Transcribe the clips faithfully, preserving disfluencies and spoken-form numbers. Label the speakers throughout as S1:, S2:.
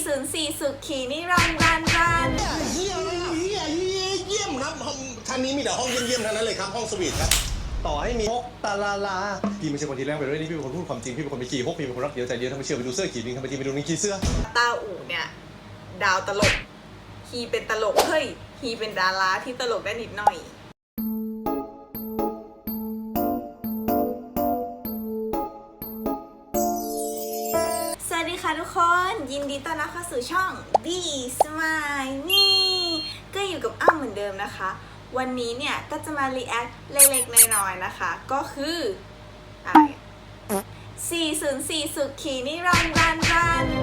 S1: ศูนย์สี่สุขีนิรันดร์รันรัน
S2: เยี่ยมเยี่ยมเยี่ยมครับห้องท่านนี้มีแต่ห้องเยี่ยมๆทั้งนั้นเลยครับห้องสวีทครับต่อให้มีฮกตาลาลาพี่ไม่ใช่คนที่แรงไปด้วยนี่พี่เป็นคนพูดความจริงพี่เป็นคนไม่ขี้ฮกพี่เป็นคนรักเดียวใจเดียวถ้าไม่เชื่อไปดูเสื้อขี่ลิงทำไมทีไปดูลิงขี่เสื้อ
S1: ตาอู่เนี่ยดาวตลกฮีเป็นตลกเฮ้ยฮีเป็นดาราที่ตลกได้นิดหน่อยสวัสดีค่ะทุกคนยินดีต้อนรับเข้าสู่ช่อง B Smile นี่ก็อยู่กับอ้ำเหมือนเดิมนะคะวันนี้เนี่ยก็จะมารีแอคเล็กๆน้อยๆนะคะก็คืออะไรสี่ศูนย์สี่สุขีนิรันดร์รันรัน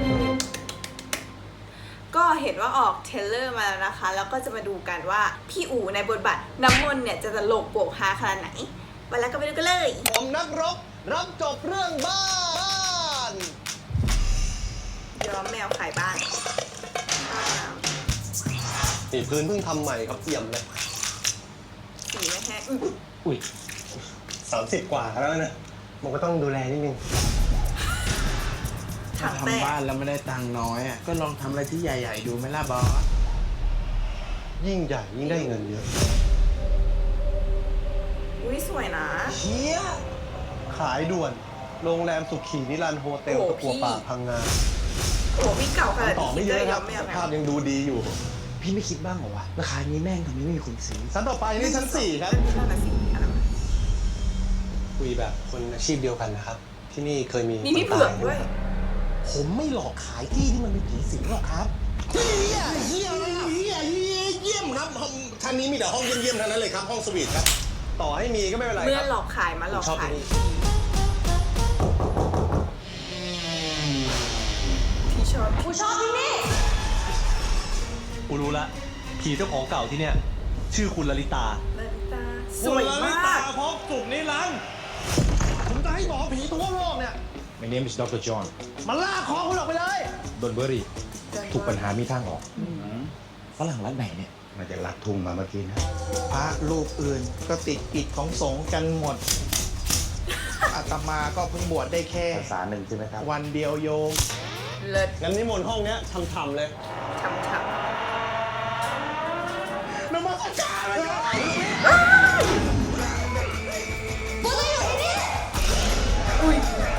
S1: ก็เห็นว่าออกเทรลเลอร์มาแล้วนะคะแล้วก็จะมาดูกันว่าพี่อู๋ในบทบาทน้ำมนต์เนี่ยจะตลกโปกฮาขนาดไหนไปแล้วก็ไปดูกันเลย
S2: ผมนักรบรับจบเรื่องบ้าน
S1: ย้อมแมวขายบ้าน
S2: นี่พื้นเพิ่งทำใหม่ครับเอี่ยมเลย
S1: สีไม่แห้ง
S2: อุ้ยสามสิบกว่าแล้วนะมันก็ต้องดูแลนิดนึง
S3: ถ้าทำบ้านแล้วไม่ได้ตังค์น้อยอ่ะก็ลองทำอะไรที่ใหญ่ๆดูไหมล่ะบอส
S2: ยิ่งใหญ่ยิ่งได้เงินเยอะ
S1: อุ้ยสวยนะ
S2: เชี่ยขายด่วนโรงแรมสุขีนิรันดร์โฮเทลตะกัวป่าพังงา
S1: โอ้พี่เก่าขนาด
S2: ต่อไม่เยอะครับภาพยังดูดีอยู่
S3: พี่ไม่คิดบ้างเหรอวะราคานี้แม่งทำไมไม่มีคนซื้อ
S2: ชั้นต่อไปนี่ชั้นสี่ครับ
S1: ชั้นสี่อะไรวะ
S2: คุยแบบคนอาชีพเดียวกันนะครับที่นี่เคยมี
S1: มีพี่เผือกด้วย
S2: ผมไม่หลอกขายที่ที่มันเป็นผีสิงหรอกครับเยี่ยมเยี่ยมเยี่ยมเยี่ยมครับห้องท่านนี้มีแต่ห้องเยี่ยมๆทั้งนั้นเลยครับห้องสวีทครับต่อให้มีก็ไม่เป็นไร
S1: เมื่อหลอกขายมาหลอกขายพี่ชอบกูชอบที่นี่
S2: กูรู้ละผีเจ้าของเก่าที่เนี่ยชื่อคุณลลิตา
S1: ลลิตาสวยมาก
S2: พบสุขนิรันดร์ผมจะให้หมอผีทั่วโลกเนี่ย
S4: My name is ด็อกเตอร์ John
S2: มันลากคอคุณออกไปเลย
S4: Don't worry ทุกปัญหามีทางออก
S3: ฝรั่งรัฐไหนเนี่ย
S4: มาจากลัดทุ่งมาเมื่อกี้นะ
S3: พระรูปอื่นก็ติดกิจของสงฆ์กันหมดอาตมาก็เพิ่งบวชได้แค่
S4: ภาษาหนึ่งใช่ไหมครับ
S3: วันเดียวโยม
S1: เลิศ
S2: งั้นนิมนต์ห้องเนี้ยทำๆเลย
S1: ทำๆ
S2: นมัสการเลย
S1: บุตรอยู่ที่นี่อุ้ย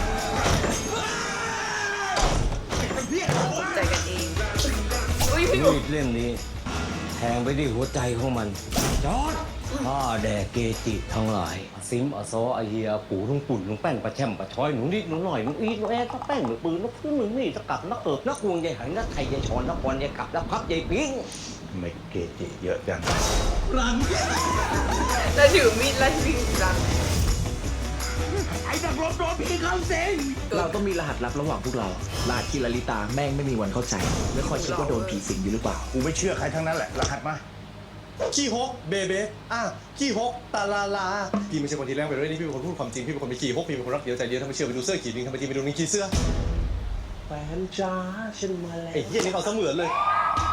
S1: ใจกันเองอุ้ยพี่
S5: มีดเล่มนี้แทงไปที่หัวใจของมันจอดข้าแด่เกจิทั้งหลายซิมอซออาเฮียปูลุงปุ่นลุงแป้นปลาแช่มปลาช้อยหนูนิดหนูหน่อยหนูอีดหนูแอ๊ดนักแป้งหนูปืนนักพื้นหนูนี่นักกัดนักเกิดนักวงใหญ่หันนักไทยใหญ่ชอนนักบอลใหญ่กลับนักพับใหญ่ปิ้ง
S4: ไม่เกจิเยอะจัง
S2: รัง
S1: แล้วถือมีดแล้ววิ่งรัง
S3: ไอ้นักรบโดนผีเข้าสิงเราต้องมีรหัสลับระหว่างพวกเรารหัสที่ลลิตาแม่งไม่มีวันเข้าใจไม่คอยคิดว่าโดนผีสิงอยู่หรือเปล่า
S4: กูไม่เชื่อใครทั้งนั้นแหละรหัสมา
S2: ขี้ฮกเบเบ้อ่ะขี้ฮกตาลาลาพี่ไม่ใช่คนที่แรงไปด้วยนี่พี่เป็นคนพูดความจริงพี่เป็นคนไม่ขี้ฮกพี่เป็นคนรักเดียวใจเดียวถ้าไม่เชื่อไปดูเสื้อขี่ลิงทำไมทีไปดูลิงขี่เสื้อ
S3: แฟนจ้าฉันมาแล้ว
S2: ไอ้เหี้ยนี่เขาเสมือนเลย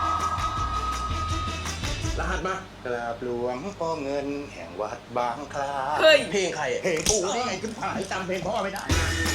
S4: รหัสมากราบหลวงพ่อเงินแห่งวัดบางคลา
S1: เฮ้ย
S2: เพลงใคร
S4: เพลงกูได้ไงขึ้นผ่านจำเพลงพ่อไม่ได้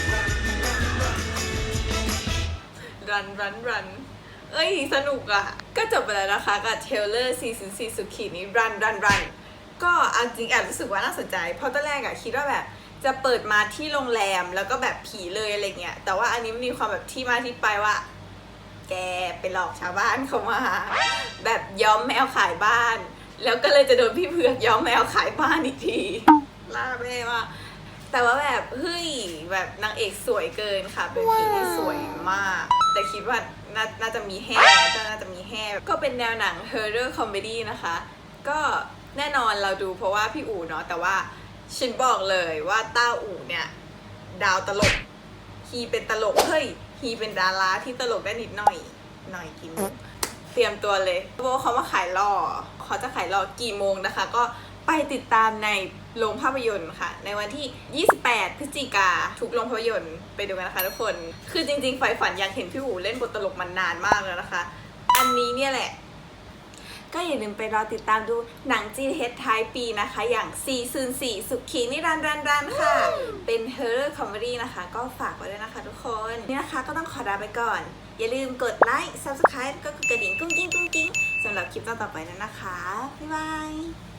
S1: รันรันรันเอ้ยสนุกอ่ะก็จบไปแล้วนะคะกับเทเลอร์สี่ศูนย์สี่สุขีนี้รันรันรันก็เอาจริงแอบรู้สึกว่าน่าสนใจเพราะตอนแรกอะคิดว่าแบบจะเปิดมาที่โรงแรมแล้วก็แบบผีเลยอะไรเงี้ยแต่ว่าอันนี้มันมีความแบบที่มาที่ไปว่าแกไปหลอกชาวบ้านเขามาแบบย้อมแมวขายบ้านแล้วก็เลยจะโดนพี่เผือกย้อมแมวขายบ้านอีกทีล่าแม่ว่าแต่ว่าแบบเฮ้ยแบบนางเอกสวยเกินค่ะเป็นผีที่สวยมากแต่คิดว่านาน่าจะมีแห่น่าจะมีแห่ก็เป็นแนวหนัง horror comedy นะคะก็แน่นอนเราดูเพราะว่าพี่อู๋เนาะแต่ว่าฉันบอกเลยว่าต้าอู๋เนี่ยดาวตลกฮีเป็นตลกเฮ้ยฮีเป็นดาราที่ตลกได้นิดหน่อยหน่อยกี่โมงเตรียมตัวเลยเพราะว่าเขามาขายหล่อเขาจะขายหล่อกี่โมงนะคะก็ไปติดตามในโรงภาพยนตร์ค่ะในวันที่ยี่สิบแปดพฤศจิกาทุกโรงภาพยนตร์ไปดูกันนะคะทุกคนคือจริงๆใฝ่ฝันอยากเห็นพี่อู๋เล่นบทตลกมันนานมากแล้วนะคะอันนี้เนี่ยแหละก็อย่าลืมไปรอติดตามดูหนังจีนเฮดท้ายปีนะคะ อย่างสี่ศูนย์สี่สุขีนิรันดร์รันรันค่ะ เป็น Horror Comedy นะคะ ก็ฝากไว้ด้วยนะคะทุกคน นี่นะคะก็ต้องขอลาไปก่อน อย่าลืมกดไลค์ Subscribe ก็คือกระดิ่งกุ้งกิ้งกุ้งกิ้งสำหรับคลิปต่อๆไปนั้นนะคะ บ๊ายบาย